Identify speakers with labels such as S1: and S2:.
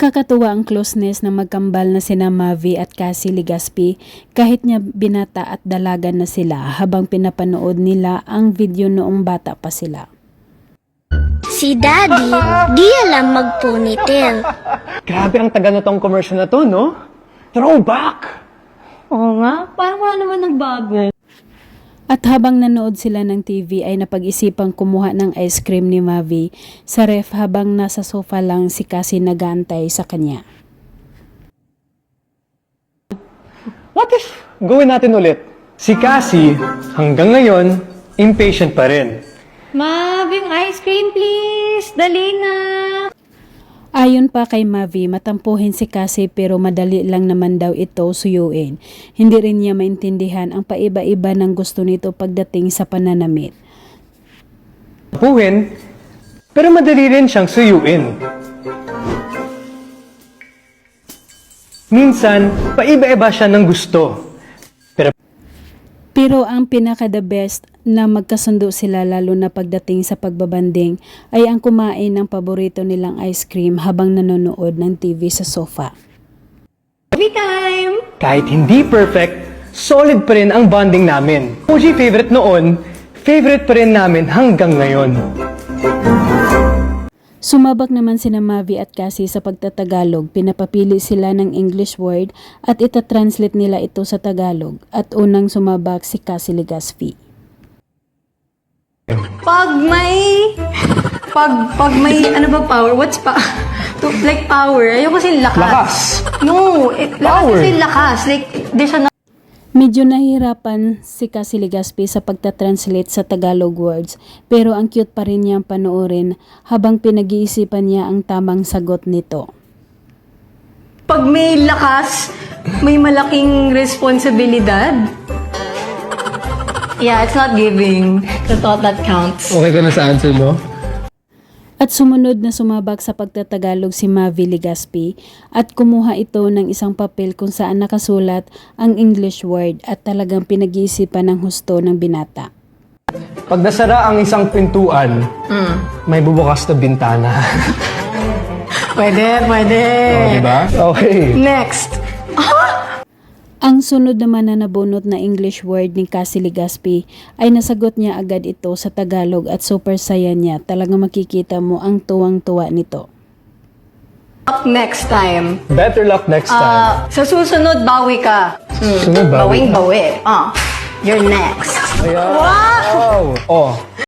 S1: Nakakatuwa ang closeness ng magkambal na sina Mavi at Cassie Legaspi kahit niya binata at dalaga na sila habang pinapanood nila ang video noong bata pa sila.
S2: Si Daddy, di alam mag-ponytail.
S3: Grabe ang taga na tong commercial na to, no? Throwback!
S4: Oo nga, parang wala naman nagbago.
S1: At habang nanood sila ng TV ay napag-isipang kumuha ng ice cream ni Mavi sa ref habang nasa sofa lang si Cassie nag-aantay sa kanya.
S3: What if gawin natin ulit? Si Cassie, hanggang ngayon, impatient pa rin.
S4: Mabing ice cream please! Dali na!
S1: Ayon pa kay Mavi, matampuhin si Cassie pero madali lang naman daw ito suyuin. Hindi rin niya maintindihan ang paiba-iba ng gusto nito pagdating sa pananamit.
S3: Puhin, pero madali rin siyang suyuin. Minsan, paiba-iba siya ng gusto.
S1: Pero ang pinaka-the best na magkasundo sila lalo na pagdating sa pagbabanding ay ang kumain ng paborito nilang ice cream habang nanonood ng TV sa sofa.
S4: Movie time!
S3: Kahit hindi perfect, solid pa rin ang bonding namin. OG favorite noon, favorite pa rin namin hanggang ngayon.
S1: Sumabak naman sina Mavi at Cassie sa pagtatagalog. Pinapapili sila ng English word at itatranslate nila ito sa Tagalog. At unang sumabak si Cassie Legaspi.
S4: Pag may ano ba power? What's like power? Ayoko kasi lakas.
S3: Lakas?
S4: No, lakas
S3: Power.
S4: kasi lakas. Like, di siya
S1: Medyo nahihirapan si Cassie Legaspi sa pagtatranslate sa Tagalog words pero ang cute pa rin niyang panoorin habang pinag-iisipan niya ang tamang sagot nito.
S4: Pag may lakas, may malaking responsibilidad. Yeah, it's not giving the thought that counts.
S3: Okay ka na sa answer mo?
S1: At sumunod na sumabak sa pagtatagalog si Mavi Legaspi at kumuha ito ng isang papel kung saan nakasulat ang English word at talagang pinag-iisipan ng husto ng binata.
S3: Pag nasara ang isang pintuan, may bubukas na bintana.
S4: Pwede.
S3: Diba? Okay.
S4: Next.
S1: Ang sunod naman na nabunot na English word ni Cassie Legaspi ay nasagot niya agad ito sa Tagalog at super saya niya. Talagang makikita mo ang tuwang-tuwa nito.
S4: Up next time.
S3: Better luck next time.
S4: Sa susunod, bawi ka.
S3: Sunod ba?
S4: Bawing bawi. You're next.
S3: Wow! Oh,